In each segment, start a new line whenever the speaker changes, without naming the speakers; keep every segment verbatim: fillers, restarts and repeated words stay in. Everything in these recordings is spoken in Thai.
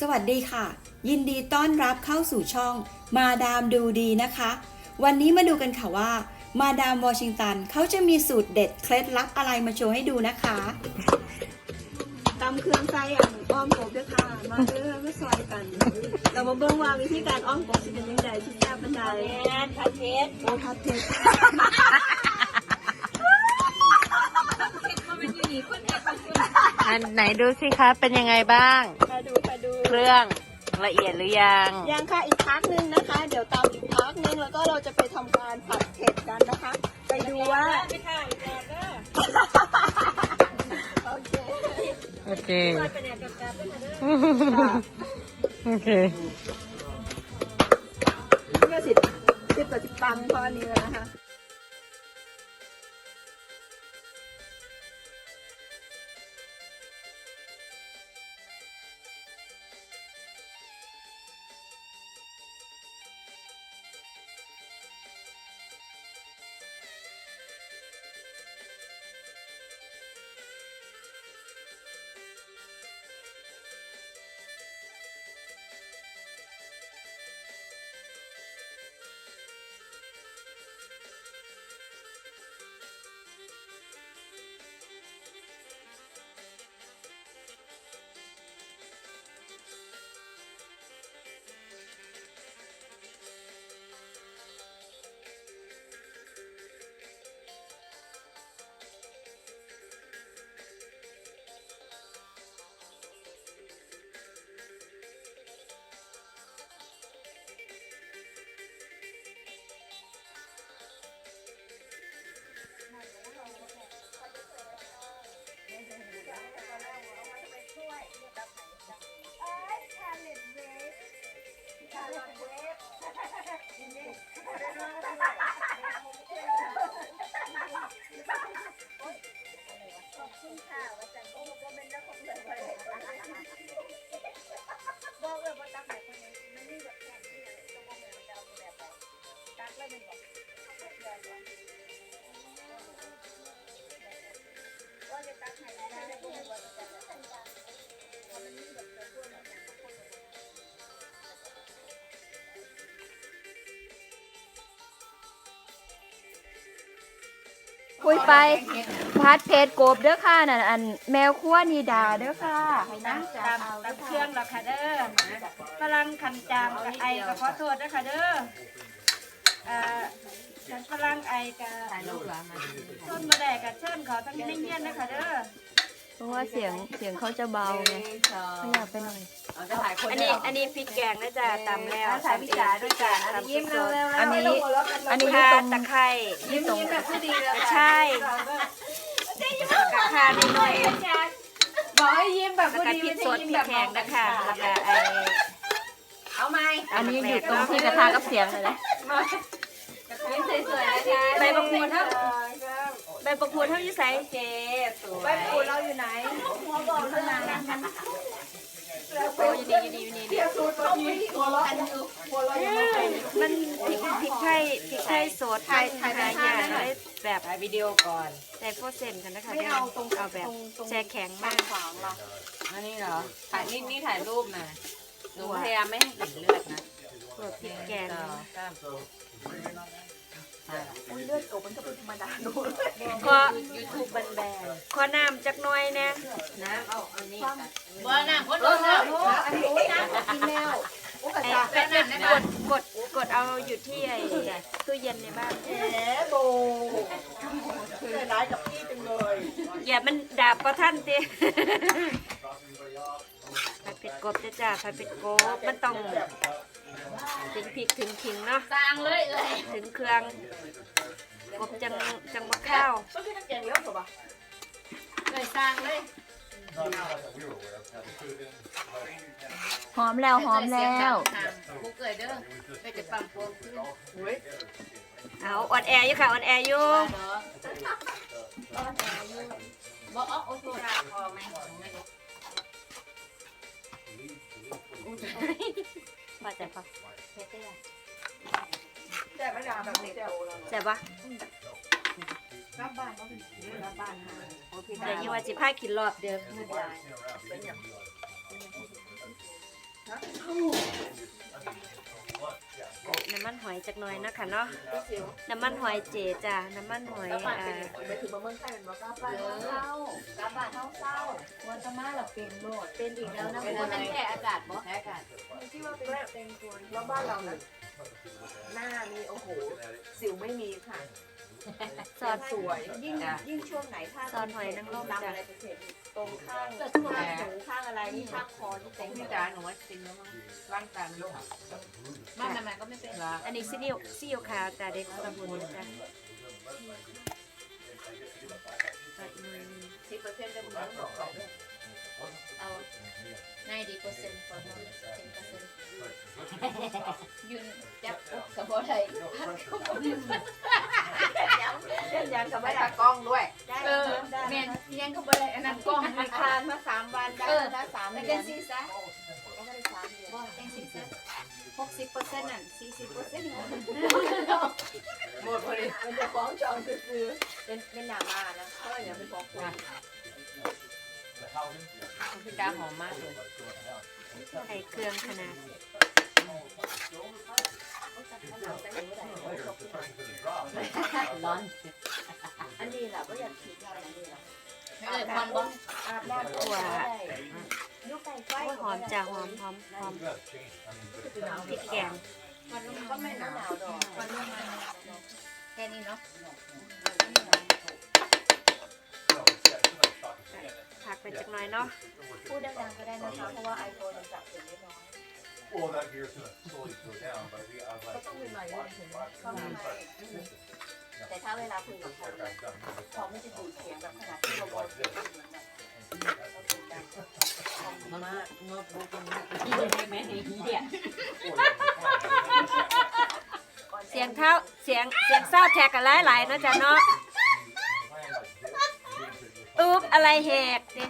สวัสดีค่ะยินดีต้อนรับเข้าสู่ช่องมาดามดูดีนะคะวันนี้มาดูกันค่ะว่ามาดามวอชิงตันเขาจะมีสูตรเด็ดเคล็ดลับอะไรมาโชว์ให้ดูนะคะตำเครื่องไส้อ่ะอ้อมกบด้วยค่ะมาเด้อมาซอยกันเรามาเบิ่งว่าวิธีการอ้อมกบจะเป็นยังไงที่แซ่บบันไดผัดเผ็ดโอ้ผัดเผ็ด
อันไหนดูสิคะเป็นยังไงบ้าง
มาดูมาดู
เครื่องละเอียดหรือยัง
ยังค่ะอีกพักนึงนะคะเดี๋ยวตามอีกพักนึงแล้วก็เราจะไปทำการผัดเผ็ดกันนะคะไปดูว่าไปถ่ายแดดก็โอเค
โอเคโอเค
เมื่อสิบสิบกับสิบตังพอนี้แล้วนะคะ
คุยไปพัดเพชรโกบเด้อค่ะนั่นอันแมวขั้วนีดาเด้อค่ะ
ตามตามตามเครื่องหรอกค่ะเด้อฝรั่งคันจามกับไอกับขอโทษนะคะเด้อเอ่อฉันฝรั่งไอกับต้นมะแดกกับเชิญเขาทั้งนี้เงี้ยนะคะเด้อ
เพราะว่าเสียงเสียงเขาจะเบาไงไม่อยากไปหน่อย
อันนี้อันนี้พริกแกงนะจ๊ะตำแล้ว
ถ่ายพิจารด้วยจ้ะยิ้มเร็วๆอันนี้อันนี้
ข่า
ตรง
ตะไคร้
ยิ้มตรงแบบผู้ดีเลย
ใช่กระข่านิดหน่อย
บอกให้ยิ้มแบบผู้ดี
พริกสดพริกแข็งนะคะแล้วก็ไอ
เอาไหมอันนี้อยู่ตรงที่กระทากับเสียงเลยนะยิ้มสวยๆนะคะ
ใบมะกรูดเท่าใบมะกรูดเท่ายี่ใส่เจ๊
ใบมะกรูดเราอยู่ไหนหัวบอกข้างใน
โอ้ยดีดีดีดีมันพริกพริกไทยพริกไทยสดไทยไทยหายากเลยแบบ
ถ่ายวิดีโอก่อน
ใส่โฟเซนกันนะคะเอาตรงเอาแบบแช่แข็งมาก
อันนี้เหรอถ่ายนี่นี่ถ่ายรูปนะหนูพยายามไม่ให้เห็นเลือดนะ
พวกพริกแกง
เลือดโอบมันก็เป็นธรรมดาดู
ขอยูทูบแบนๆขอน้ำจักหน่อยนะ
น้ำเอาอันนี้
บ้าน้ำคนโดนแล้วอันนี้น้ำกินแล้ว
ไอ้เป็ดกดกดกดเอาอยู่ที่ไอ้ตู้เย็นในบ้าน
แหมโบคือร้ายกับพี่จังเลย
อย่ามันดาบประท่านตีผัดเผ็ดกบจ้าจ้าผัดเผ็ดกบมันต้องถึงพริกถึงขิงเนาะ
สร้างเลยเลย
ถึงเครื่องกบจังจังมะข้าว
ก็คือน้ำแกงเยอะกว่าเลยสร้างเลยหอมแล้วหอมแล้ว
บุกเกยเด้อไปจะปั๊มพวงขึ้น
เอาออนแอร์อยู่ค่ะออนแอร์อยู่
บอกอ๋อโอโซราพอไหม
พอใจปะ
แต่ไม่ด่าแบบนี้
แซ่บปะ
รับบ้านก็เป็นรับบ้านหา
เดี๋ยวยี่ว่าจิพากินรอบเดิมไม่ได้น้ำมันหอยจักหน่อยนะคะเนาะน้ำมันหอยเจจ้ะน้ำมันหอยอ่า
ไปถึงมาเมืองไทยเป็นว่ากาบ้านเศร้ากาบ้านเศร้าเศร้าวันตะมาเราเป็นโหลดเป็นอีกแล้วนะคุณมันแค่อากาศบ่แค่อากาศที่ว่าเป็นเป็นคนแล้วบ้านเรานะหน้ามีโอ้โหสิวไม่มีค่ะ
ซอส
สวยยิ่งยิ่งช่วงไหนถ้า
ซอสหอยนางรม
ดำ
จ้ะ
อะไรเป็นเศษตรงข้างข้างหูข้างอะไรนี่ข้างคอที่
ข
เต็
อง
ม
พี่จ๋าหนูว่าจริงแล้วมั้งร่างกายมันขาด
บ้านมันก็ไม่เป็น
ละ
อันนี้ซีอิ๊วซีอิ๊วขาวจ้ะเด็กสมบูรณ์จ้ะตัดหน่อยหนึ่ง
สิบเปอร์เซ็นต์ได้หมดเอาninety percent for one ten percent ยืนจับปุ๊บกับบ่ได้พักก็บ่ได้เล่นยังกับ
ไม่
บ่ได้
ตากล้องด้วย
ได้ได้แม่นยังก็บ่ได้อันนั้นกล้องมีคานมาสามวันได้ได้สามเดือนจังซี่ซะยังไม่ได้สามเดือนบ่จังซี่ซะหกสิบเปอร์เซ็นต์นั่นสี่สิบเปอร์เซ็นต์หมดพอดีมันจะฟ้องจองซื้อเป็นเป็นหน้ามานะก็อย่าไปฟ้องคน
พี่จ๋าหอมมากเลย
ใส่เครื่องขนาด
ร้อน
อันนี้แหละก็อยากคิดว่าอันนี้แหละไม่เลยควันบ่อาบน้ำ
ตัว
ลูกไก่ไฟ
โอ้ยหอมจ้ะหอมหอมหอมพริกแกง
มันก็ไม่หนาวดอกมันลงมาแค่นี้เนาะ
ผักไปจักหน่อยเนาะ
พูดดังๆก็ได้นะคะเพราะว่าไอโฟนมันจับเสียงได้น้อย
Well, that gear's gonna slowly slow down, but we, I was
ก็
like,
ต้องมีหน่อยนึงก็มีแต่ถ้าเวลาคุยกับใครเขาไม่จะดูดเสียงแบบขนาดที่เราบอกเสียงเหมือนแบบ
มันมากงบบุกมันที่แม่ในที่เดีย
เสียงเท้าเสียงเสียงเศร้าแทกกันหลายๆเนาะจ้ะเนาะอุ๊บอะไรแหกเนี่ย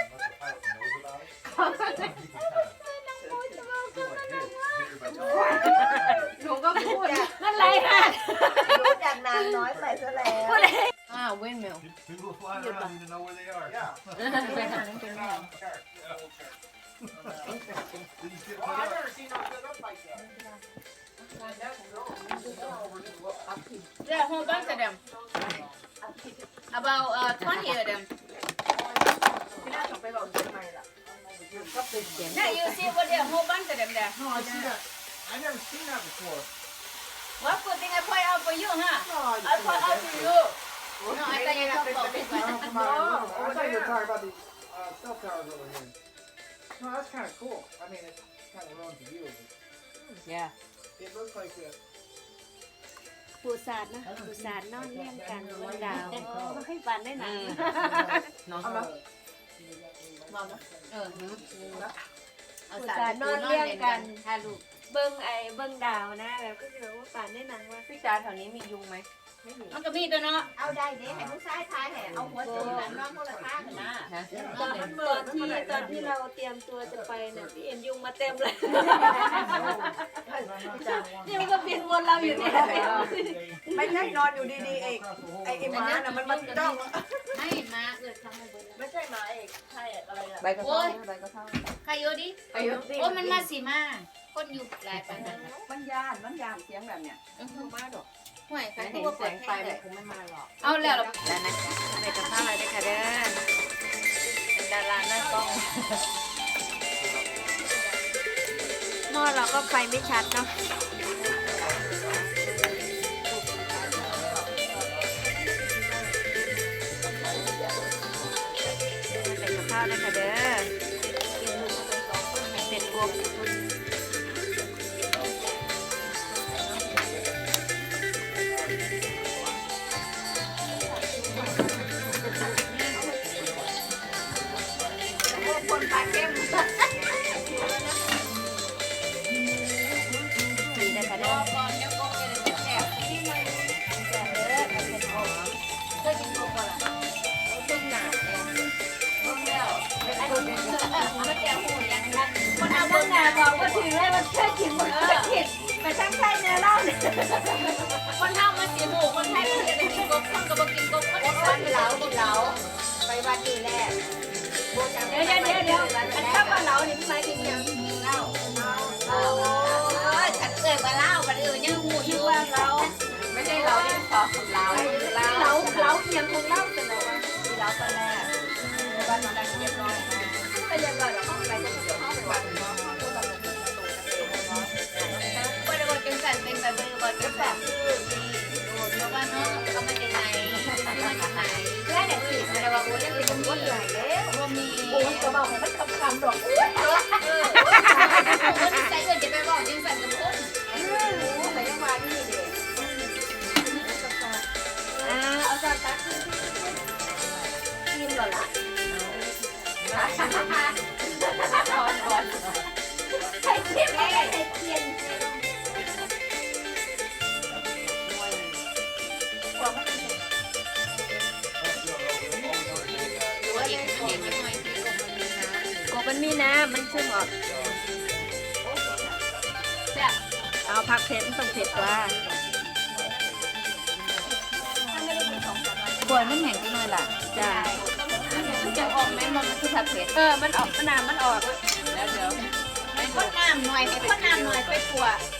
หนูก็พูด
นั่นไรฮะ
รู้จากนางน้อยไปซะแล้ว
อ้าวเว้นเมล
People flying around need to know where they are. Yeah.
ไปหาเงินแม่
Didn't get put up.
Yeah, whole bunch of them. About uh twenty of them. Yeah, you see what there, whole bunch of them there.
No, I see that. I never seen that before.
What good thing I point out for you, huh?
No,
I point out to you. No, I thought you were talking about this one.
I thought you were talking about these uh, cell towers over here. No, that's kind of cool. I mean, it's kind of wrong to you, but
ย่า
it looks like a.
ปูสาดนะปูสาดนอนเลี้ยงกันบนดาวไม่ให้ฝันได้หนัง
น้อง
เออ
ปูสาดนอนเลี้ยงกัน
ถ้าลูก
เบิ้งไอ้เบิ้งดาวนะแบบก็คือแบบว่าฝันได้หนังว่า
พี่จ๋าแถวนี้มียุงไหมไม่มี
มันก็มีตัวเนาะ เอาได้เด้ให้ผู้ชายทายให้เอาหัวจุ่มนั้นน้องคนละข้างนะ
ฮะ
ตอนตอนที่ตอนที่เราเตรียมตัวจะไปเนี่ยพี่เอ็นยุงมาเต็มเลยนี่มันก็บินวนเราอยู่เนี่ย
ไม่ใช่นอนอยู่ดีๆเอกไอ้ไอ้หมาน่ะมันมันจ้อง
ไม่มาเกิดทำให้เบิ้ล
ไม่ใช่หมาเอกใช่อะไรล่ะ
ใบกระเพราใบกระเพรา
ใครอยู่ดิโอ้มันมาสิมาคนอยู่หลายปันนั้น
มันยานมันยานเสียงแบบเนี้ย
มาดอกห่วยใคร
แต่
ก็
เห็น
ว่า
แส
เปิด
งไฟ
แค่เล
มัน
ย
คงไม่มาหรอก
เอาแล้ว
แล้วนะไปกับข้าวอะไรด้วยค่ะเด้อเป็นดาราหน้ากล้องหม้อเราก็ไฟไม่ชัดเนาะไปกับข้าวด้วยค่ะเด้อให้เสร็จปุ๊บสีนะคะเด้อ
ก่อนเดี๋ยวก็จะแสบที่มัน
แซ่บเด้อกับเผ็ดหอม
เคยกินโกก่อนล่ะต้มหนาเนี่ยต้มแล้วมันแก่หูยังกัน
คนเอาเบื้องหน้าบอกว่าถึงแล้วมันแค่กินมันแค่กินไปทั้งไส้เนื้อเล่าเนี่ย
คนเท่ามาสีหูคนไทยมันจะได้กินกบคนก็บ่กินกบคนก็กินเหล้ากินเหล้าไปวันนี้แรก
เดี๋ยวเดี๋ยวเดี๋ยวเดี๋ยวอันข้าวปลาเหลานี่หมายถึงยัง
เหล้า
เ
เราเรา
เราเราเอียงของเราเป็นเราว่า
เราตอนแรกบ้านเราเรียบร้อยแต่ยังไงเราเข้าไปจะเดี๋ยวเข้าไปวันเนาะเข้าไปวันประตูเนาะบริบทจังสันเป็นแบบบริบทจังสันคือเพราะว่าเนาะเขามาจากไหนมาจากไหนแค่เนี่ยคือแต่ว่าโอ้ยยังเป็นคนใหญ่แล้วว่ามีโอ้ยกระบอกมันคำคำดอกอุ้ยเออเออใจเกินจะไปบอกจังสันกับคนเออแต่ยังมาที่นี่เด็กอ่าเอาจานตักกินก่อนละร้อนร้อนใส่เทียนไม่ใส่เทียนกบมันมีน้ำมันซึมออกเอาผักเผ็ดมันต้องเผ็ดว่าควรมันแห้งไปหน่อยล่ะใช่มันจะออกไหมมันคือผักเผ็ดเออมันออกมันน้ำมันออกแล้วเดี๋ยวให้คนน้ำหน่อยให้คนน้ำหน่อยไปกลัว